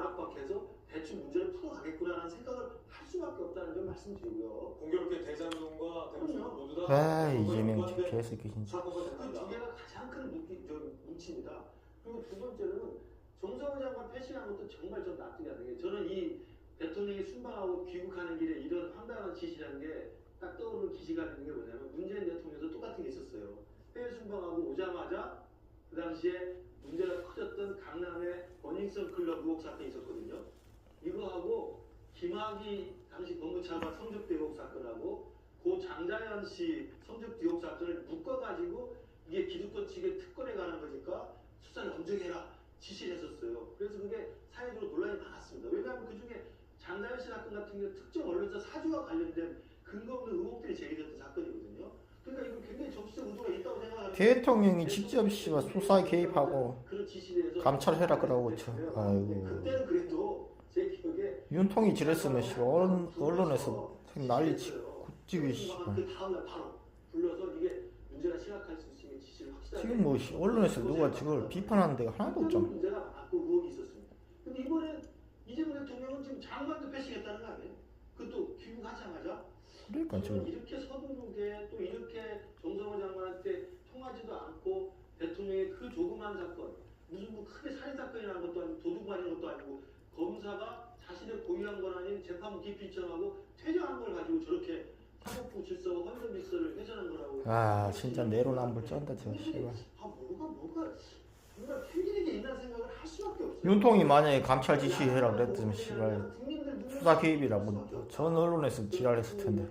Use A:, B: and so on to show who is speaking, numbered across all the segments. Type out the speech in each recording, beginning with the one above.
A: 압박해서 대충 문제를 풀어가겠구나라는 생각을 할 수밖에 없다는 점 말씀드리고요.
B: 공교롭게 대장동과 대구청 모두 다
C: 아 이재명 개새끼 진짜.
A: 그 두 개가 가장 큰 뭉치입니다. 그리고 두 번째로는 정성호 장관 패싱한 것도 정말 좀 납득이 안 되게 저는 이 대통령이 순방하고 귀국하는 길에 이런 황당한 짓이라는 게 딱 떠오르는 기시가 되는 게 뭐냐면 문재인 대통령도 똑같은 게 있었어요. 해외 순방하고 오자마자 그 당시에 문제가 커졌던 강남의 버닝썬 클럽 의혹 사건이 있었거든요. 이거하고 김학의 당시 법무차관 성접대 의혹 사건하고 고 장자연 씨 성접대 의혹 사건을 묶어가지고 이게 기득권 측의 특권에 관한 거니까 수사를 엄정히 해라 지시를 했었어요. 그래서 그게 사회적으로 논란이 많았습니다. 왜냐하면 그 중에 장자연 씨 사건 같은 경우 특정 언론사 사주와 관련된 근거 없는 의혹들이 제기됐던 사건이거든요. 그러니까 이거 굉장히 정치적 의도가 있다고 생각합니다.
C: 대통령이 직접 씨와 수사에 개입하고 감찰해라 그러고 저 아이고
A: 그때는 그래도 제 기억에
C: 윤통이 지랬으면 씨발 언론에서 난리치고 굳지기 씨발
A: 그 다음날 바로 불러서 이게 문제가 심각할 수 있으면 지시를 확실하게
C: 지금 뭐 언론에서 누가 저걸 비판하는 데가 하나도 없잖아.
A: 문제가 많고 의혹이 있었습니다. 근데 이번에 이재명 대통령은 지금 장관도 패싱했다는 거 아니에요? 그것도 귀국하자마자
C: 그러니까 지금
A: 이렇게 서두르게 또 이렇게 정성호 장관한테 통하지도 않고 대통령의 그 조그만 사건 무슨 뭐 크게 살인 사건이라는 것도 아니고 도둑 맞은 것도 아니고 검사가 자신의 고유한 건 아닌 재판부 기피 요청하고 퇴정한 걸 가지고 저렇게 사법부 질서와 헌정 질서를 훼손한 거라고.
C: 아 진짜 내로남불 쩐다 저 씨발.
A: 뭐가 정말 필기력이 있는 생각을 할 수밖에 없어요.
C: 윤통이 만약에 감찰 지시해라 그랬으면 씨발 수사 개입이라고 전 언론에서 지랄했을 텐데.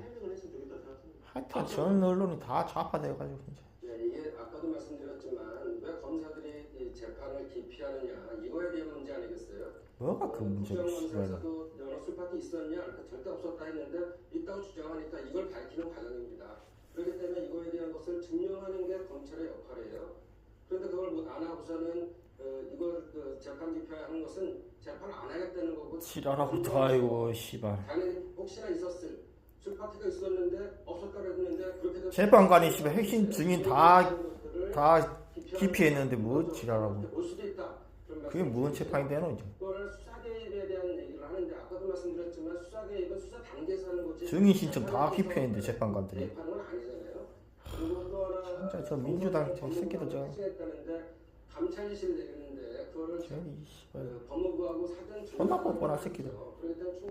C: 하여튼 전 언론이 다 좌파돼가지고 진짜.
D: 이게 아까도 말씀드렸지만 왜 검사들이 이 재판을 기피하느냐 이거에 대한 문제 아니겠어요?
C: 뭐가 그 문제야 씨발.
D: 국정원에서도 연어 술파티 있었냐? 그러니까 절대 없었다 했는데 있다고 주장하니까 이걸 밝히는 과정입니다. 그렇기 때문에 이거에 대한 것을 증명하는 게 검찰의 역할이에요. 그런데 그걸 안 하고서는 이걸 재판 기피하는 것은 재판 안 하겠다는 거고.
C: 지랄하고 다 아이고 씨발.
D: 당연히 혹시나 있었을 술파티가 있었는데 없었다고 했는데 그렇게
C: 재판관이 씨발 핵심 증인 다 기피했는데 뭐 지랄하고.
D: 올 수도 있다.
C: 그게 뭔 재판이 되노 이제.
D: 그걸 수사 개입에 대한 얘기를 하는데 아까도 말씀드렸지만 수사 개입은 수사 단계에서 하는 거지.
C: 증인 신청 다 기피했는데 재판관들이.
D: 개입하는 건 아니잖아요. 그리고 또 하나
C: 진짜 저 민주당 저 새끼들 저.
D: 했다는데 감찰 지시를 내리는데 그거를
C: 저기 씨발.
D: 법무부하고 사전
C: 존나 뻔뻔한 새끼들.
D: 그렇기 때문에